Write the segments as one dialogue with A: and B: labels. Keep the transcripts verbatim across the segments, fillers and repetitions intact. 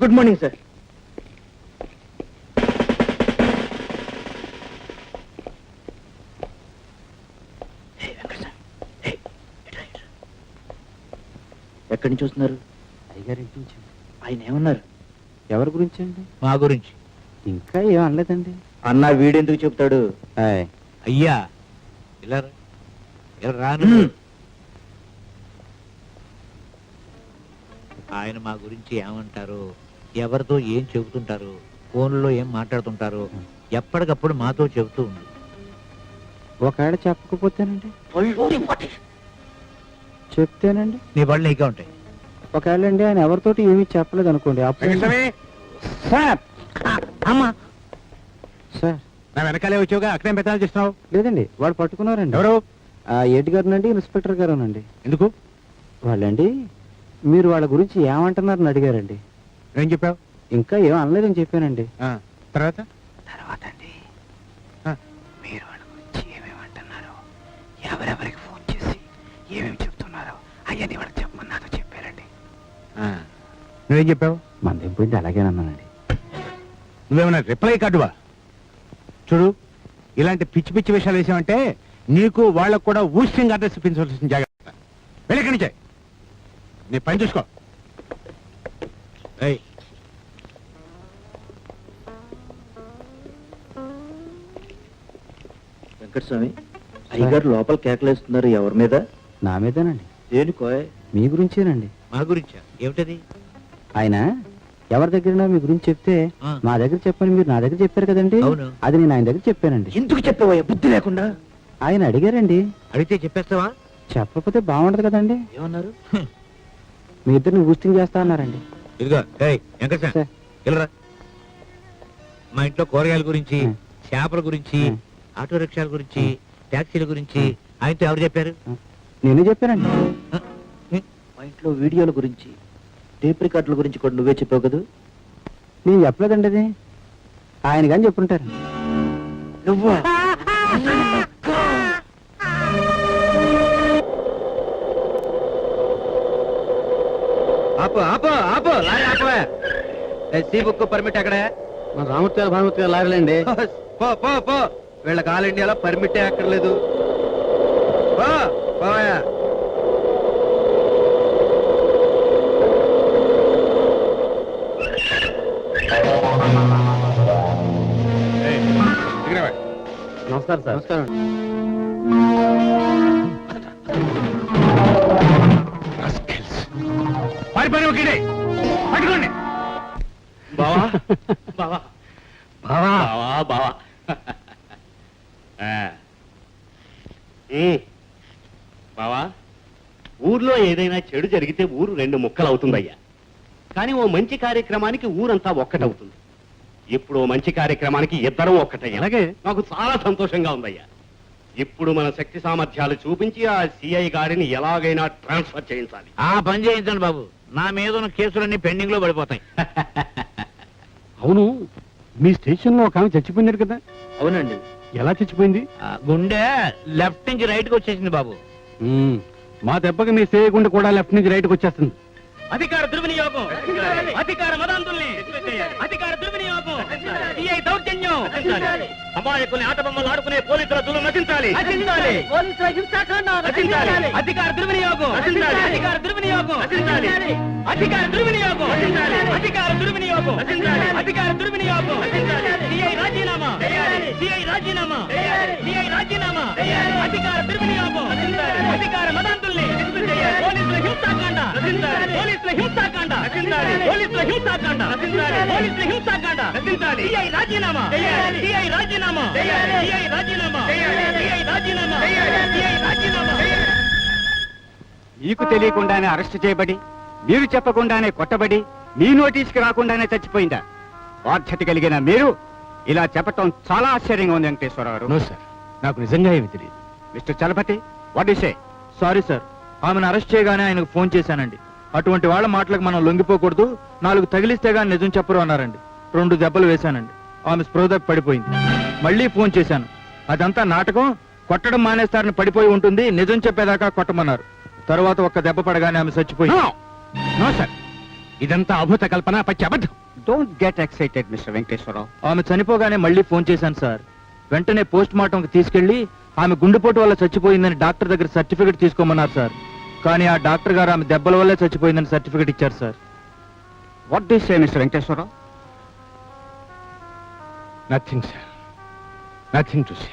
A: Good morning sir. ఎక్కడి నుంచి వస్తున్నారు?
B: అయ్యగారింటి నుంచి.
A: ఆయన ఏమన్నారు?
B: ఎవరి గురించి అండి?
C: మా గురించి.
B: ఇంకా ఏం అనలేదండి.
A: అన్నా వీడెందుకు చెప్తాడు?
C: అయ్యా ఇలా ఇలా రాను. ఆయన మా గురించి ఏమంటారు, ఎవరితో ఏం చెబుతుంటారు, ఫోన్లో ఏం మాట్లాడుతుంటారు ఎప్పటికప్పుడు మాతో చెబుతూ ఉంది.
B: ఒకవేళ చెప్పకపోతేనండి? చెప్తేనండి
C: నీ పళ్ళు నీకే ఉంటాయి.
B: ఒకవేళ అండి ఆయన ఎవరితోటి ఏమీ చెప్పలేదు అనుకోండి, అప్పుడు
A: సార్ అమ్మా
B: సార్
C: నా వెనకాలే వచ్చావుగా, అక్కడేం పెద్దాలు చేస్తున్నావు?
B: లేదండి, వాళ్ళు పట్టుకున్నారండి.
C: ఎవరు?
B: ఆ ఎడ్ గారునండి, ఇన్స్పెక్టర్ గారునండి.
C: ఎందుకు?
B: వాళ్ళండి మీరు వాళ్ళ గురించి ఏమంటున్నారని అడిగారండి.
C: ఏం చెప్పావు?
B: ఇంకా ఏం అనలేదని చెప్పానండి.
C: తర్వాత
B: తర్వాత అండి మీరు వాళ్ళ గురించి ఏమేమంటున్నారు, ఎవరెవరికి ఫోన్ చేసి ఏమేమి చెప్తున్నారో అవన్నీ వాళ్ళకి చెప్పమన్నారో చెప్పారండి.
C: నువ్వేం చెప్పావు?
B: మందేం పోయింది అలాగేనన్నానండి.
C: నువ్వేమన్నా రిప్లై కాదువా? చూడు, ఇలాంటి పిచ్చి పిచ్చి విషయాలు వేసామంటే నీకు వాళ్ళకు కూడా ఊష్యంగా అడ్రస్ ఇప్పించవలసిన జాగ్రత్త. వెళ్ళక్కడి నుంచే నీ పని చూసుకో.
A: వెంకటస్వామి, అయ్యగారు లోపల కేకలేస్తున్నారు. ఎవరి మీద?
B: నా మీదేనండి.
A: దేనికో?
B: మీ గురించేనండి.
C: మా గురించా? ఏమిటది?
B: ఆయన ఎవరి దగ్గర మీ గురించి చెప్తే మా దగ్గర చెప్పని మీరు నా దగ్గర చెప్పారు కదండి, అది నేను ఆయన దగ్గర చెప్పానండి.
A: ఎందుకు చెప్పావా బుద్ధి లేకుండా?
B: ఆయన అడిగారండి.
C: అడిగితే చెప్పేస్తావా?
B: చెప్పకపోతే బాగుండదు కదండి.
A: ఏమన్నారు?
B: మీ ఇద్దరిని ఊస్టింగ్ చేస్తా అన్నారండి.
C: ఇదిగో వెంకటరా, మా ఇంట్లో కూరగాయల గురించి, చేపల గురించి, ఆటో రిక్షాల గురించి, ట్యాక్సీల గురించి ఆయనతో ఎవరు చెప్పారు?
B: నేనే చెప్పానండి.
A: మా ఇంట్లో వీడియోల గురించి, టేప్ రికార్డుల గురించి కూడా నువ్వే చెప్పావు కదా?
B: నేను చెప్పలేదండి, అది ఆయన కానీ చెప్పుంటారు.
A: నువ్వా? ఆపు ఆపు ఆపు లారీ ఆపవే. సి బుక్ పర్మిట్ ఎక్కడ?
B: మా రామూర్తి గారు భానుమూర్తి గారు లారీలండి.
A: పో పో పో, వీళ్ళకి ఆల్ ఇండియాలో పర్మిటే అక్కర్లేదు. పో పోయా.
B: నమస్కారం సార్. నమస్కారం.
C: పట్టుకోండి.
D: బావా బావా
C: బావా
D: బావా బావా బావా, ఊర్లో ఏదైనా చెడు జరిగితే ఊరు రెండు ముక్కలు అవుతుందయ్యా. కానీ ఓ మంచి కార్యక్రమానికి ఊరంతా ఒక్కటవుతుంది. ఇప్పుడు ఓ మంచి కార్యక్రమానికి ఇద్దరం ఒక్కటయ్యా. అలాగే నాకు చాలా సంతోషంగా ఉందయ్యా. ఇప్పుడు మన శక్తి సామర్థ్యాలు చూపించి ఆ సిఐ గారిని ఎలాగైనా ట్రాన్స్ఫర్ చేయించాలి.
C: ఆ పని చేయించండి బాబు, నా మీద ఉన్న కేసులన్నీ పెండింగ్ లో పడిపోతాయి.
B: అవును, మీ స్టేషన్ లో ఒక ఆమె చచ్చిపోయినారు కదా?
A: అవునండి.
B: ఎలా చచ్చిపోయింది?
C: గుండె లెఫ్ట్ నుంచి రైట్ కి వచ్చేసింది బాబు.
B: మా దెబ్బకి మీ సేయ గుండె కూడా లెఫ్ట్ నుంచి రైట్ కి వచ్చేస్తుంది.
D: అధికార దుర్వినియోగం, అధికార మదాంతుల్ని, అధికార దుర్వినియోగం, సిఐ దౌర్జన్యం, అమాయకుల్ని ఆట బొమ్మలు ఆడుకునే పోలీసుల దులు నశించాలి. అధికార దుర్వినియోగం, అధికార దుర్వినియోగం, అధికార దుర్వినియోగం, అధికార దుర్వినియోగం, అధికార దుర్వినియోగం, సిఐ రాజీనామా, సిఐ రాజీనామా, సిఐ రాజీనామా, అధికార దుర్వినియోగం, అధికార మదాంతుల్ని, పోలీసుల హింసాకాండ, పోలీసుల హింసాకాండ, పోలీసుల హింసాకాండ, పోలీసుల హింసాకాండ, సిఐ రాజీనామా, సిఐ రాజీనామా, సిఐ రాజీనామా, సిఐ రాజీనామా, సిఐ రాజీనామా.
B: మీకు తెలియకుండానే అరెస్ట్ చేయబడి, మీరు చెప్పకుండానే కొట్టబడి, మీ నోటీస్కి రాకుండానే చచ్చిపోయిందా? బాధ్యత కలిగిన మీరు ఇలా చెప్పటం చాలా ఆశ్చర్యంగా ఉంది వెంకటేశ్వరరావు.
C: నో సార్, నాకు నిజంగా ఏమి తెలియదు.
B: Mister Chalapathi, what you say?
E: Sorry sir, ఆమెను అరెస్ట్ చేయగానే ఆయనకు ఫోన్ చేశానండి. అటువంటి వాళ్ళ మాటలకు మనం లొంగిపోకూడదు, నాలుగు తగిలిస్తే గానీ నిజం చెప్పరు అన్నారండి. రెండు దెబ్బలు వేశానండి. ఆమె స్పృహదప్పి పడిపోయింది. మళ్ళీ ఫోన్ చేశాను. అదంతా నాటకం, కొట్టడం మానేస్తారని పడిపోయి ఉంటుంది, నిజం చెప్పేదాకా కొట్టమన్నారు. తర్వాత ఒక్క దెబ్బ పడగానే ఆమె చచ్చిపోయింది.
B: నో సార్,
C: ఇదంతా అభూత కల్పన, పచ్చి అబద్ధం.
B: Don't get excited Mister Venkateswara Rao.
E: ఆమె చనిపోగానే మళ్ళీ ఫోన్ చేశాను సార్. వెంటనే పోస్ట్ మార్టంకి తీసుకెళ్లి ఆమె గుండెపోటు వల్ల చచ్చిపోయిందని డాక్టర్ దగ్గర సర్టిఫికెట్ తీసుకోమన్నారు సార్. కానీ ఆ డాక్టర్ గారు ఆమె దెబ్బల వల్లే చచ్చిపోయిందని సర్టిఫికెట్ ఇచ్చారు sir.
B: What do you say Mister Venkateswara Rao?
C: Nothing sir, nothing to say.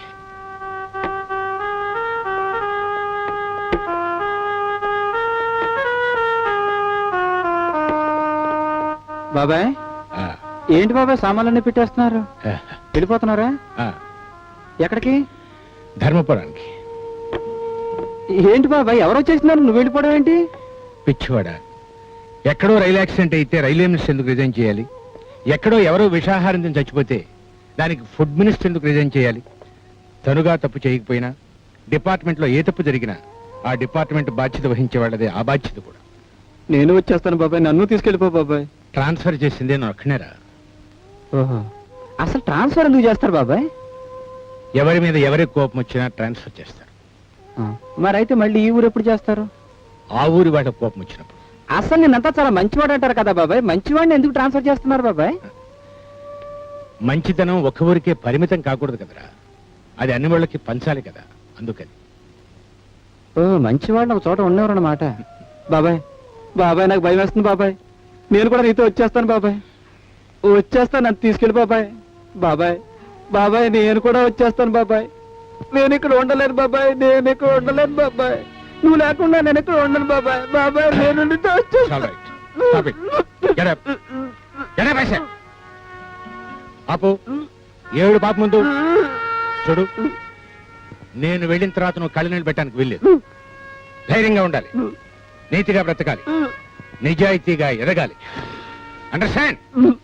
E: బాబాయ్, ఏంటి బాబాయ్ సామాన్లన్నీ పెట్టేస్తున్నారు? వెళ్ళిపోతున్నారా? ఎక్కడికి?
C: ధర్మపురానికి.
E: ఏంటి బాబాయ్, ఎవరు వచ్చేసినారు, నువ్వు వెళ్ళిపోవడం ఏంటి?
C: పిచ్చివాడ, ఎక్కడో రైలు యాక్సిడెంట్ అయితే రైల్వే మినిస్టర్ ఎందుకు రిజైన్ చేయాలి? ఎక్కడో ఎవరో విషాహారం తిని చచ్చిపోతే దానికి ఫుడ్ మినిస్టర్ ఎందుకు రిజైన్ చేయాలి? తనుగా తప్పు చేయకపోయినా డిపార్ట్మెంట్లో ఏ తప్పు జరిగినా ఆ డిపార్ట్మెంట్ బాధ్యత వహించే వాళ్ళదే ఆ బాధ్యత కూడా.
E: నేను వచ్చేస్తాను బాబాయ్, నన్ను తీసుకెళ్ళిపో బాబాయ్.
C: ట్రాన్స్ఫర్ చేసిందే నేను ఒక్కనేరా.
E: ఓహో, అసలు ట్రాన్స్ఫర్ ఎందుకు చేస్తారు బాబాయ్?
C: ఎవరి మీద ఎవరికి కోపం వచ్చినా ట్రాన్స్ఫర్ చేస్తారు.
E: మరైతే మళ్ళీ ఈ ఊరు ఎప్పుడు చేస్తారు?
C: ఆ ఊరి వాళ్ళకి కోపం వచ్చినప్పుడు.
E: అసలు నేనంతా చాలా మంచివాడు అంటారు కదా బాబాయ్, మంచివాడిని ఎందుకు ట్రాన్స్ఫర్ చేస్తున్నారు బాబాయ్?
C: మంచితనం ఒక్క ఊరికే పరిమితం కాకూడదు కదరా, అది అన్ని వాళ్ళకి పంచాలి కదా, అందుకని.
E: ఓ, మంచివాళ్ళు ఒక చోట ఉండేవారు అన్నమాట. బాబాయ్ బాబాయ్, నాకు భయం వేస్తుంది బాబాయ్. నేను కూడా నీతో వచ్చేస్తాను బాబాయ్, వచ్చేస్తాను, నన్ను తీసుకెళ్ళి బాబాయ్. బాబాయ్ బాబాయ్, నేను కూడా వచ్చేస్తాను బాబాయ్. నేను ఇక్కడ ఉండలేను బాబాయ్, నేను ఇక్కడ ఉండలేను బాబాయ్. నువ్వు లేకుండా నేను ఇక్కడ ఉండను బాబాయ్. బాబాయ్, నేను నీతో వచ్చేస్తాను.
C: Stop it. Get up. Get up, I said. ఆపు. ఏడు పాప ముందు చూడు, నేను వెళ్ళిన తర్వాత నువ్వు కళ్ళు నీళ్ళు పెట్టడానికి వెళ్ళలేదు. ధైర్యంగా ఉండాలి, నీతిగా బ్రతకాలి, నిజాయితీగా ఎదగాలి. అండర్స్టాండ్?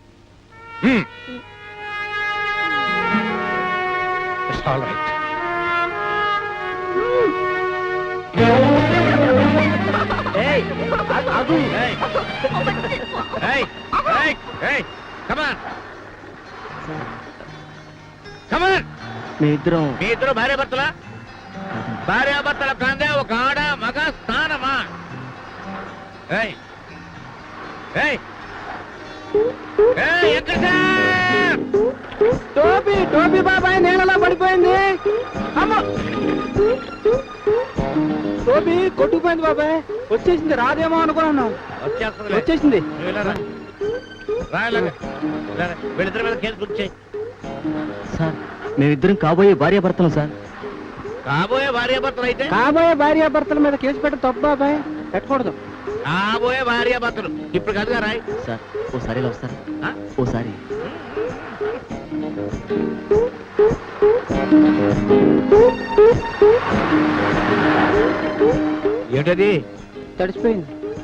C: It's all right.
E: మీ ఇద్దరం
B: మీ ఇద్దరు భార్యాభర్తల భార్యాభర్తల కాందే ఒక ఆడ మగ స్థానమా? ఏయ్ ఏయ్ ఏయ్, ఎక్కడ
E: టోపీ టోపీ బాబాయ్ నేలలో పడిపోయింది. అమ్మ, టోపీ కొట్టుకుపోయింది బాబాయ్. వచ్చేసింది, రాదేమో అనుకున్నాను.
B: వచ్చేస్తుంది
E: వచ్చేసింది.
B: వీళ్ళిద్దరి మీద కేసు బుక్ చేయి.
E: సార్, మేమిద్దరం కాబోయే భార్య భర్తలు సార్.
B: కాబోయే భార్యాభర్తలు అయితే
E: కాబోయే భార్య భర్తల మీద కేసు పెట్ట తప్పు బాబాయ్, పెట్టకూడదు.
B: కాబోయే భార్యాభర్తలు ఇప్పుడు కాదుగా రాయ్.
E: సార్, ఓసారి ఇలా వస్తారా?
B: ఆ?
E: ఓసారి
B: ఏమిటది?
E: తడిచిపోయింది.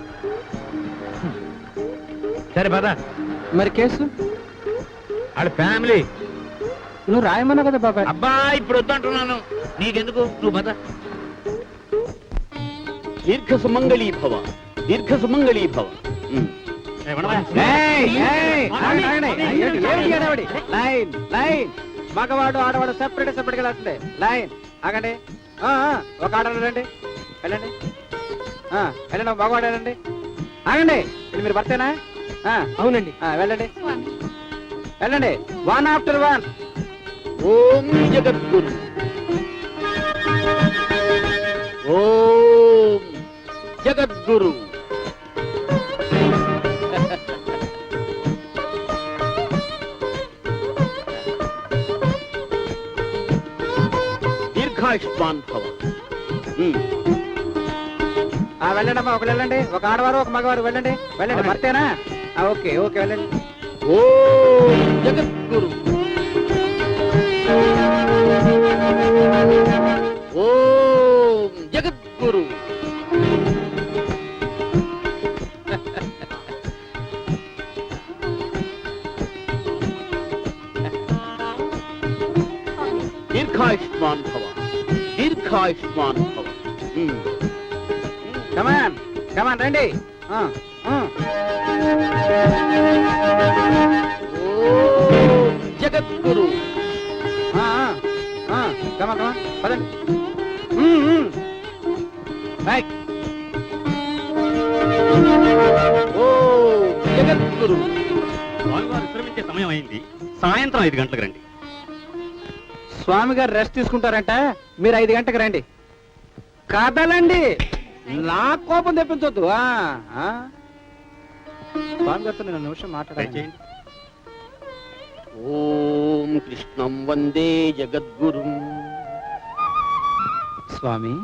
B: సరే పద.
E: మరి కేసు
B: వాళ్ళ ఫ్యామిలీ.
E: నువ్వు రాయమన్నా కదా బాబాయ్.
B: అబ్బా, ఇప్పుడు వద్దంటున్నాను, నీకెందుకు, నువ్వు పద. దీర్ఘ సుమంగళీ భవ, దీర్ఘ సుమంగళీ భవ.
E: మగవాడు ఆడవాడు సెపరేట్ సెపరేట్ గా వస్తుంది. లైన్ ఆగండి. ఆ, ఆ, ఒక ఆడవాడు రండి, వెళ్ళండి. ఆ, వెళ్ళండి, ఒక మగవాడు వెళ్ళండి. ఆగండి, ఇది మీరు భర్తేనా? అవునండి. వెళ్ళండి వెళ్ళండి, వన్ ఆఫ్టర్ వన్.
B: ఓం జగద్గురు, ఓం జగద్గురు. దీర్ఘాయుష్మాన్ భవ.
E: వెళ్ళండి అమ్మా, ఒకరు వెళ్ళండి, ఒక ఆడవారు ఒక మగవారు వెళ్ళండి. వెళ్ళండి, భర్తేనా? ఓకే ఓకే, వెళ్ళండి.
B: ఓం జగద్గురు, ఓం జగద్గురు. దీర్ఘాయుష్మాన్ భవ, దీర్ఘాయుష్మాన్ భవ.
E: కమాన్ కమాన్ రండి. ఆ, ఆ.
B: ఓం జగద్గురు.
E: ఆ, ఆ, ఆ, కమాన్ కమాన్ పదండి. ఉమ్, ఉమ్. రైట్.
B: ఓం
D: జగద్గురు స్వామివారు విశ్రమించే సమయం అయింది, సాయంత్రం ఐదు గంటలకు రండి.
A: స్వామి గారు రెస్ట్ తీసుకుంటారంట, మీరు ఐదు గంటలకు రండి. కదలండి, నా కోపం తెప్పించొద్దు. ఆ, ఆ. స్వామి గారితో నేను నిమిషం మాట్లాడాలి.
D: దయచేయండి. ఓం కృష్ణం వందే జగద్గురు.
A: స్వామి,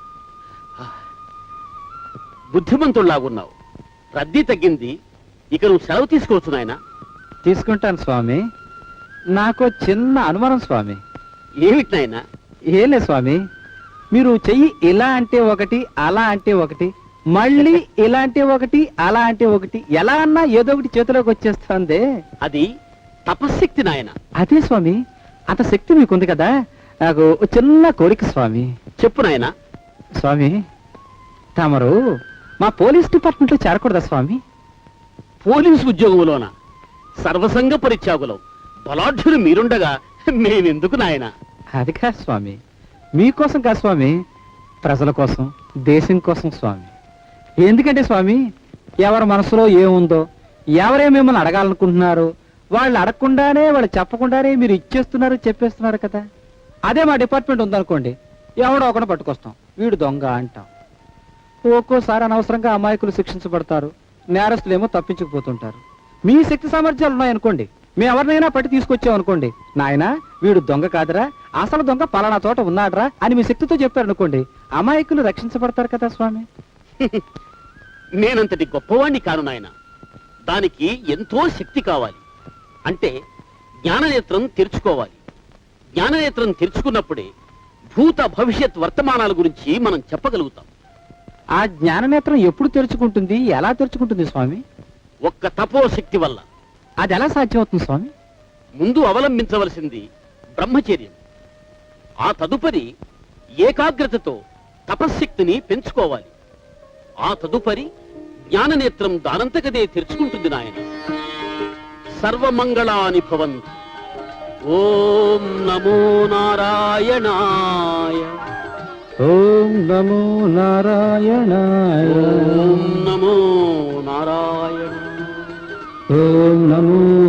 D: బుద్ధిమంతుల్లాగున్నావు, రద్దీ తగ్గింది, ఇక నువ్వు సెలవు తీసుకోవచ్చు నాయన.
A: తీసుకుంటాను స్వామి. నాకు చిన్న అనుమానం స్వామి.
D: ఏమిటి నాయన?
A: ఏం లేదు స్వామి, మీరు చెయ్యి ఇలా అంటే ఒకటి, అలా అంటే ఒకటి, మళ్ళీ ఇలా అంటే ఒకటి, అలా అంటే ఒకటి, ఎలా అన్నా ఏదో ఒకటి చేతిలోకి వచ్చేస్తుంది.
D: అది తపశ్శక్తి నాయన.
A: అదే స్వామి, అంత శక్తి మీకుంది కదా, నాకు ఓ చిన్న కోరిక స్వామి.
D: చెప్పు నాయన.
A: స్వామి, తమరు మా పోలీస్ డిపార్ట్మెంట్ లో చేరకూడదా స్వామి?
D: పోలీసు ఉద్యోగంలోన సర్వసంగ పరిత్యాగులం, బలాఢ్యులు మీరుండగా మేమెందుకు నాయన?
A: అది కాదు స్వామి, మీకోసం కాదు స్వామి, ప్రజల కోసం, దేశం కోసం స్వామి. ఎందుకంటే స్వామి, ఎవరి మనసులో ఏముందో, ఎవరే మిమ్మల్ని అడగాలనుకుంటున్నారు, వాళ్ళు అడగకుండానే, వాళ్ళు చెప్పకుండానే మీరు ఇచ్చేస్తున్నారు, చెప్పేస్తున్నారు కదా. అదే మా డిపార్ట్మెంట్ ఉందనుకోండి, ఎవడో ఒకటి పట్టుకొస్తాం, వీడు దొంగ అంటాం. ఒక్కోసారి అనవసరంగా అమాయకులు శిక్షించబడతారు, నేరస్తులేమో తప్పించుకుపోతుంటారు. మీ శక్తి సామర్థ్యాలు ఉన్నాయనుకోండి, మేము ఎవరినైనా పట్టి తీసుకొచ్చామనుకోండి, నాయనా వీడు దొంగ కాదురా, అసలు దొంగ పలానా చోట ఉన్నాడ్రా అని మీ శక్తితో చెప్పారనుకోండి, అమాయకులు రక్షించబడతారు కదా స్వామి.
D: నేనంతటి గొప్పవాణ్ణి కాను నాయన, దానికి ఎంతో శక్తి కావాలి. అంటే జ్ఞాననేత్రం తెరుచుకోవాలి. జ్ఞాననేత్రం తెరుచుకున్నప్పుడే భూత భవిష్యత్ వర్తమానాల గురించి మనం చెప్పగలుగుతాం.
A: ఆ జ్ఞాననేత్రం ఎప్పుడు తెరుచుకుంటుంది, ఎలా తెరుచుకుంటుంది స్వామి?
D: ఒక్క తపోశక్తి వల్ల.
A: అది ఎలా సాధ్యమవుతుంది స్వామి?
D: ముందు అవలంబించవలసింది బ్రహ్మచర్యం, ఆ తదుపరి ఏకాగ్రతతో తపశ్శక్తిని పెంచుకోవాలి. ఆ తదుపరి జ్ఞాననేత్రం దానంతకదే తెరుచుకుంటుంది నాయన. సర్వమంగళాని భవంతు. ఓం నమో నారాయణాయ.
A: ఓం నమో నారాయణాయ.
D: ఓం నమో నారాయణ.
A: ఓం నమో